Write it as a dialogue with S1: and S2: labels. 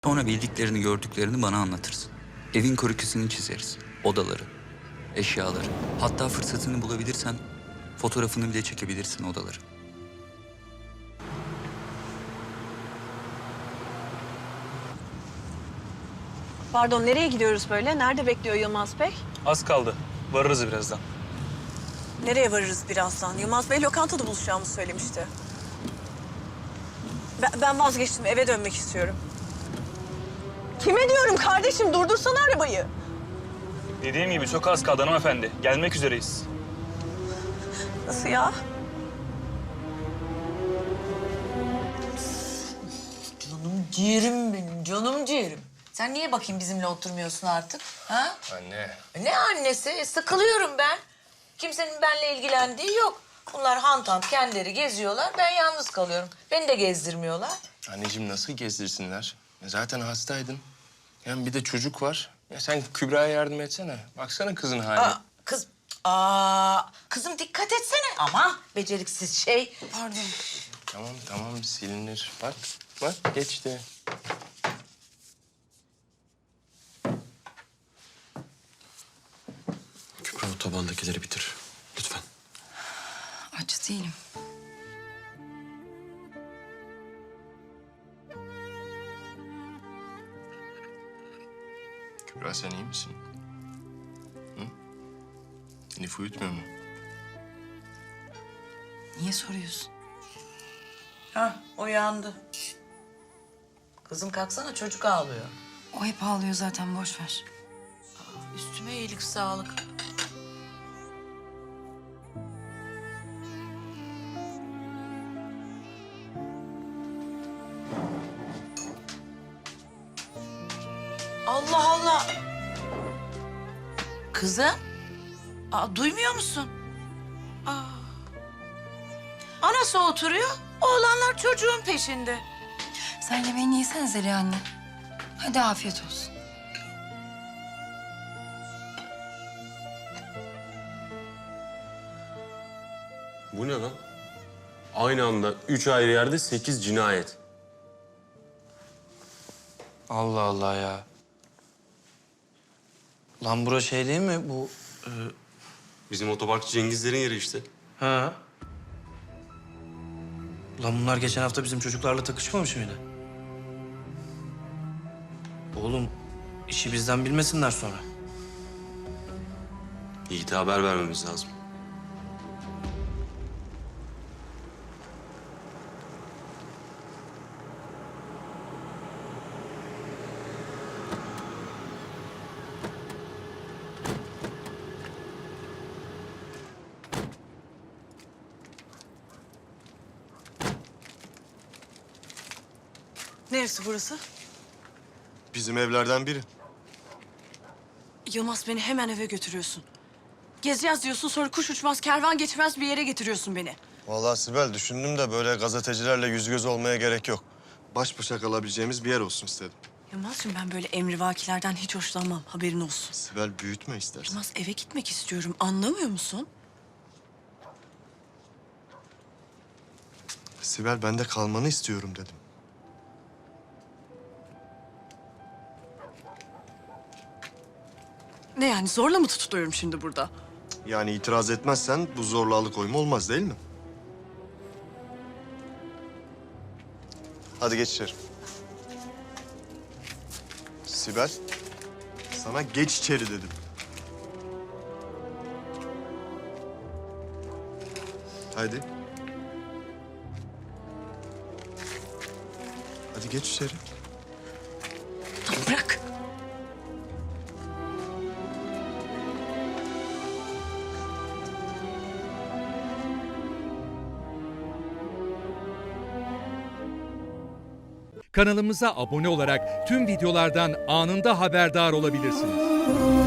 S1: Sonra bildiklerini, gördüklerini bana anlatırsın. Evin krokisini çizeriz. Odaları, eşyaları. Hatta fırsatını bulabilirsen fotoğrafını bile çekebilirsin odaları.
S2: Pardon, nereye gidiyoruz böyle? Nerede bekliyor Yılmaz Bey?
S3: Az kaldı. Varırız birazdan.
S2: Nereye varırız birazdan? Yılmaz Bey lokantada buluşacağımızı söylemişti. Ben vazgeçtim, eve dönmek istiyorum. Kime diyorum kardeşim? Durdursana arabayı.
S3: Dediğim gibi çok az kaldı hanımefendi. Gelmek üzereyiz.
S2: Nasıl ya?
S4: Canım ciğerim benim, canım ciğerim. Sen niye bakayım bizimle oturmuyorsun artık? Ha?
S5: Anne.
S4: Ne annesi? Sıkılıyorum ben. Kimsenin benimle ilgilendiği yok. Bunlar hantant kendileri geziyorlar, ben yalnız kalıyorum. Beni de gezdirmiyorlar.
S5: Anneciğim nasıl gezdirsinler? Zaten hastaydın. Hem bir de çocuk var. Ya sen Kübra'ya yardım etsene. Baksana kızın haline.
S4: Kızım dikkat etsene. Ama beceriksiz şey. Pardon.
S5: Tamam silinir. Bak geçti.
S6: Kübra o tabandakileri bitir. Lütfen.
S7: Aç değilim.
S5: Kübra sen iyi misin? Hı? Elif uyutmuyor mu?
S7: Niye soruyorsun?
S4: Uyandı. Kızım kalksana, çocuk ağlıyor.
S7: O hep ağlıyor zaten, boş ver.
S4: Üstüme iyilik sağlık. Allah Allah. Kızım. Duymuyor musun? Anası oturuyor, oğlanlar çocuğun peşinde.
S7: Sen yemeğini yesene Zeliha anne. Hadi afiyet olsun.
S6: Bu ne lan? Aynı anda 3 ayrı yerde 8 cinayet.
S8: Allah Allah ya. Lan bura şey değil mi bu?
S6: Bizim otoparkçı Cengizlerin yeri işte.
S8: Ha? Lan bunlar geçen hafta bizim çocuklarla takışmamış mıydı? Oğlum işi bizden bilmesinler sonra.
S6: Yiğit'e haber vermemiz lazım.
S2: Neresi burası?
S5: Bizim evlerden biri.
S2: Yılmaz, beni hemen eve götürüyorsun. Gezeceğiz diyorsun, sonra kuş uçmaz, kervan geçmez bir yere getiriyorsun beni.
S9: Vallahi Sibel düşündüm de böyle gazetecilerle yüz göz olmaya gerek yok. Baş başa kalabileceğimiz bir yer olsun istedim.
S2: Yılmaz'cığım, ben böyle emrivakilerden hiç hoşlanmam, haberin olsun.
S9: Sibel büyütme istersen.
S2: Yılmaz, eve gitmek istiyorum, anlamıyor musun?
S9: Sibel ben de kalmanı istiyorum dedim.
S2: Ne yani, zorla mı tutuyorum şimdi burada?
S9: Yani itiraz etmezsen bu zorla alıkoyma olmaz değil mi? Hadi geç içeri. Sibel, sana geç içeri dedim. Hadi. Hadi geç içeri.
S2: Tamam, bırak.
S10: Kanalımıza abone olarak tüm videolardan anında haberdar olabilirsiniz.